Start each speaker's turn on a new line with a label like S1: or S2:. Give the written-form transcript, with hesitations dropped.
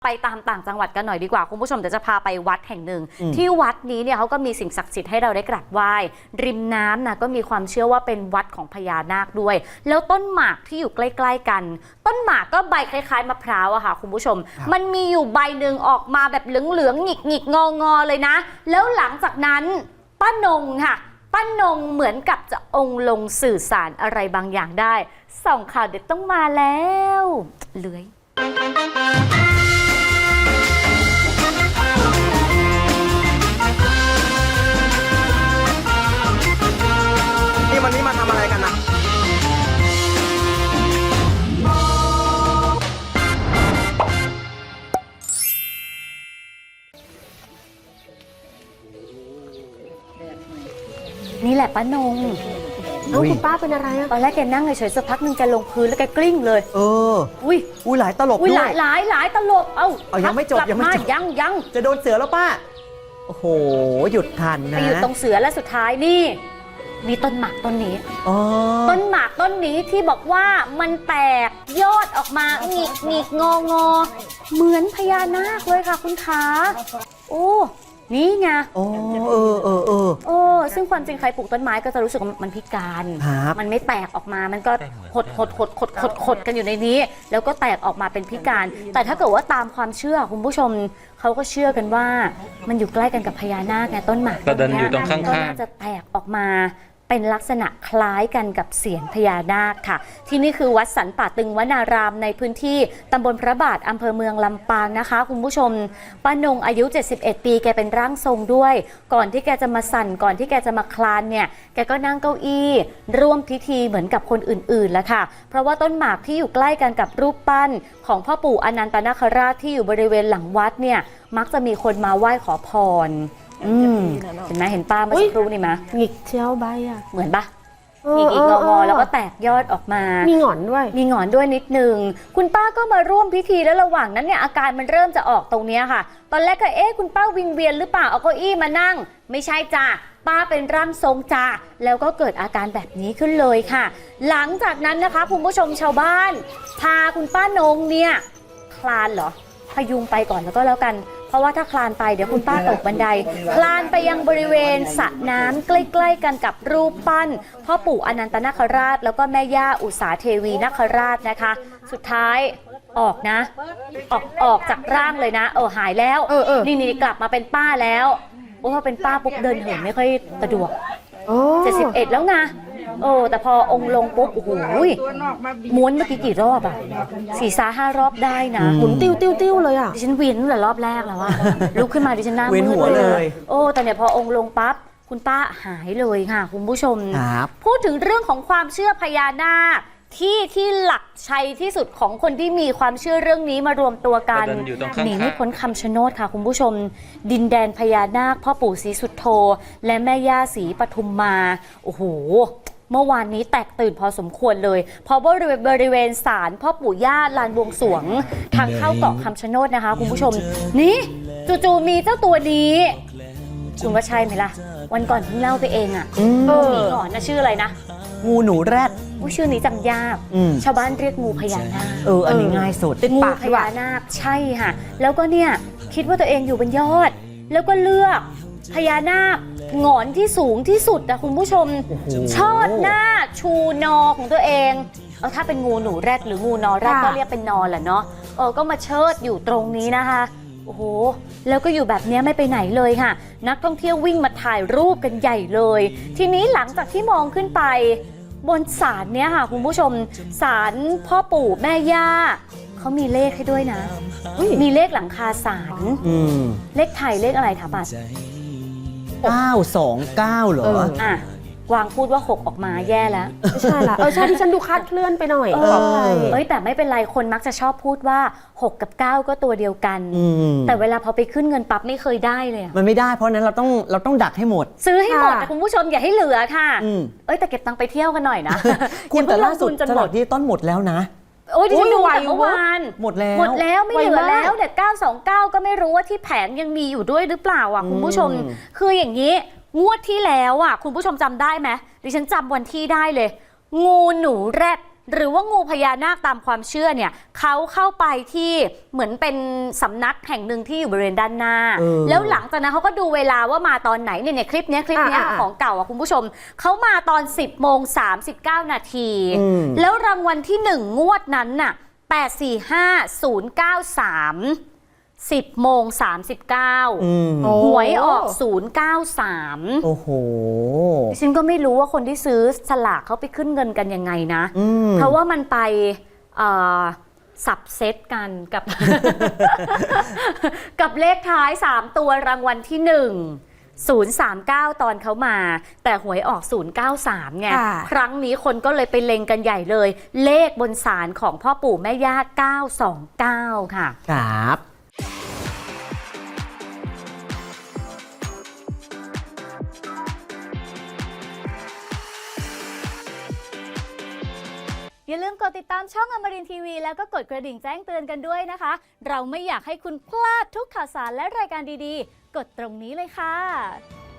S1: ไปตามต่างจังหวัดกันหน่อยดีกว่าคุณผู้ชมเดี๋ยวจะพาไปวัดแห่งหนึ่งที่วัดนี้เนี่ยเขาก็มีสิ่งศักดิ์สิทธิ์ให้เราได้กราบไหว้ริมน้ำนะก็มีความเชื่อว่าเป็นวัดของพญานาคด้วยแล้วต้นหมากที่อยู่ใกล้ๆกันต้นหมากก็ใบคล้ายๆมะพร้าวอะค่ะคุณผู้ชมมันมีอยู่ใบหนึ่งออกมาแบบเหลืองๆหงิกๆงอๆเลยนะแล้วหลังจากนั้นป้านงค่ะป้านงเหมือนกับจะองค์ลงสื่อสารอะไรบางอย่างได้ส่องข่าวเด็ดต้องมาแล้วเลื้อย
S2: วันนี้มาทำอะไรกันนะ
S1: นี่แหละป้านง
S3: คุณป้าเป็นอะไรอะ
S1: ตอนแรกแกนั่งเฉยๆสักพักหนึ่งแกลงพื้นแล้วแกกลิ้งเลย
S2: อุ้ยหลายตลบด้วย
S1: หลายตลบ
S2: ยังไม่จบ
S1: ยัง
S2: จะโดนเสือแล้วป้าโอ้โหหยุดทันนะ
S1: ไปอยู่ตรงเสือและสุดท้ายนี่มีต้นหมากต้นนี้ต้นหมากต้นนี้ที่บอกว่ามันแตกยอดออกมาหงิกงอเหมือนพญานาคเลยค่ะคุณขาโอ้นี่ไงซึ่งความจริงใครปลูกต้นไม้ก็จะรู้สึกว่ามันพิการมันไม่แตกออกมามันก็หดกันอยู่ในนี้แล้วก็แตกออกมาเป็นพิการแต่ถ้าเกิดว่าตามความเชื่อคุณผู้ชมเขาก็เชื่อกันว่ามันอยู่ใกล้กันกับพญานาคไงต้นหมาก
S4: ก็เดินอยู่ตรงข้างๆก็
S1: น่าจะแตกออกมาเป็นลักษณะคล้ายกันกับเสียญพญานาคค่ะที่นี่คือวัดสันป่าตึงวนารามในพื้นที่ตำบลพระบาทอำเภอเมืองลำปางนะคะคุณผู้ชมป้านงอายุ71ปีแกเป็นร่างทรงด้วยก่อนที่แกจะมาสั่นก่อนที่แกจะมาคลานเนี่ยแกก็นั่งเก้าอี้ร่วมพิธีเหมือนกับคนอื่นๆแล้วค่ะเพราะว่าต้นหมากที่อยู่ใกล้กันกับรูปปั้นของพ่อปู่อนันตนาคราชที่อยู่บริเวณหลังวัดเนี่ยมักจะมีคนมาไหว้ขอพรเห็นไหมเห็นป้าเมื่อสักครู่นี่ไหม
S3: หงิกเชียวใบอ่ะ
S1: เหมือนปะหงิกงอแล้วก็แตกยอดออกมา
S3: มีหงอนด้วย
S1: นิดนึงคุณป้าก็มาร่วมพิธีแล้วระหว่างนั้นเนี่ยอาการมันเริ่มจะออกตรงนี้ค่ะตอนแรกก็คุณป้าวิงเวียนหรือเปล่าเอาเก้าอี้มานั่งไม่ใช่จ้ะป้าเป็นร่างทรงจ้ะแล้วก็เกิดอาการแบบนี้ขึ้นเลยค่ะหลังจากนั้นนะคะคุณผู้ชมชาวบ้านพาคุณป้านงเนี่ยคลานเหรอพยุงไปก่อนแล้วก็แล้วกันเพราะว่าถ้าคลานไปเดี๋ยวคุณป้าตกบันไดคลานไปยังบริเวณสระน้ำใกล้ๆกันกับรูปปั้นพ่อปู่อนันตนาคราชแล้วก็แม่ย่าอุษาเทวีนาคราชนะคะสุดท้ายออกนะออกจากร่างเลยนะหายแล้วนี่กลับมาเป็นป้าแล้วพอเป็นป้าปุ๊บเดินเหินไม่ค่อยสะดวก71แล้วไงแต่พอองค์ลงปุ๊บโอ้โหม้วนเมื่อกี้กี่รอบอ่ะ4-5 รอบได้นะ
S3: หมุนติ้วเลยอ่ะ
S1: ดิฉันเวียนตั้งแต่รอบแรกแล้วว่าลุกขึ้นมาดิฉันหน้ามืดเลยแต่เนี่ยพอองค์ลงปั๊บคุณป้าหายเลยค่ะคุณผู้ชมพูดถึงเรื่องของความเชื่อพญานาคที่หลักชัยที่สุดของคนที่มีความเชื่อเรื่องนี้มารวมตัวกันหนีไม่พ้นคำชะโนดค่ะคุณผู้ชมดินแดนพญานาคพ่อปู่ศรีสุโธและแม่ย่าศรีปทุมมาโอ้โหเมื่อวานนี้แตกตื่นพอสมควรเลยเพราะบริเวณศาลพ่อปู่ย่าลานบวงสรวงทางเข้าเกาะคำชะโนดนะคะคุณผู้ชมนี่จู่ๆมีเจ้าตัวนี้คุณว่าใช่ไหมล่ะวันก่อนเพิ่งเล่าไปเองอ่ะมีก่อนนะชื่ออะไรนะ
S2: งูหนูแรด
S1: ชื่อนี้จำยากชาวบ้านเรียกงูพญานาค
S2: อันนี้ง่ายสุด
S1: งูพญานาคใช่ค่ะแล้วก็เนี่ยคิดว่าตัวเองอยู่บนยอดแล้วก็เลือกพญานาคหงอนที่สูงที่สุดนะคุณผู้ชมชอดหน้าชูนอของตัวเองถ้าเป็นงูหนูแรดหรืองูนอแรดก็เรียกเป็นนอแหละเนาะก็มาเชิดอยู่ตรงนี้นะคะโอ้โหแล้วก็อยู่แบบนี้ไม่ไปไหนเลยค่ะนักท่องเที่ยววิ่งมาถ่ายรูปกันใหญ่เลยทีนี้หลังจากที่มองขึ้นไปบนศาลเนี้ยค่ะคุณผู้ชมศาลพ่อปู่แม่ย่าเขามีเลขให้ด้วยนะมีเลขหลังคาศาลเลขไทยเลขอะไรถามบัตร
S2: 929เหร
S1: วางพูดว่า6ออกมาแย่แล้ว
S3: ไม่ใช่ละใช่ที่ฉันดูคาดเคลื่อนไปหน่อย
S1: แต่ไม่เป็นไรคนมักจะชอบพูดว่า6กับ9ก็ตัวเดียวกันแต่เวลาพอไปขึ้นเงินปั๊บไม่เคยได้เลย
S2: มันไม่ได้เพราะนั้นเราต้องดักให้หมด
S1: ซื้อให้หมดแต่คุณผู้ชมอย่าให้เหลือค่ะแต่เก็บตังค์ไปเที่ยวกันหน่อยนะ
S2: คุณแต่ล่าสุดสลากที่ต้นหมดแล้วนะ
S1: ดิฉันดูแต่เมื่อวาน
S2: หมดแล้ว
S1: ไม่เหลือแล้วเนี่ย929ก็ไม่รู้ว่าที่แผงยังมีอยู่ด้วยหรือเปล่าคุณผู้ชมคืออย่างนี้งวดที่แล้วคุณผู้ชมจำได้ไหมดิฉันจำวันที่ได้เลยงูหนูแรดหรือว่างูพญานาคตามความเชื่อเนี่ยเขาเข้าไปที่เหมือนเป็นสำนักแห่งหนึ่งที่อยู่บริเวณด้านหน้าแล้วหลังจากนั้นเขาก็ดูเวลาว่ามาตอนไหนเนี่ยคลิปเนี้ยของเก่าอ่ะคุณผู้ชมเขามาตอน 10:39 นาทีแล้วรางวัลที่1งวดนั้นน่ะ845093 10:39หวยออก093
S2: โอ้โห
S1: ฉันก็ไม่รู้ว่าคนที่ซื้อสลากเขาไปขึ้นเงินกันยังไงนะเพราะว่ามันไปสับเซตกันกับ กับเลขท้าย 3 ตัวรางวัลที่1 039ตอนเขามาแต่หวยออก093ไงครั้งนี้คนก็เลยไปเล็งกันใหญ่เลยเลขบนศาลของพ่อปู่แม่ย่า929ค่ะ
S2: ครับ
S1: อย่าลืมกดติดตามช่องอมรินทร์ทีวีแล้วก็กดกระดิ่งแจ้งเตือนกันด้วยนะคะเราไม่อยากให้คุณพลาดทุกข่าวสารและรายการดีๆกดตรงนี้เลยค่ะ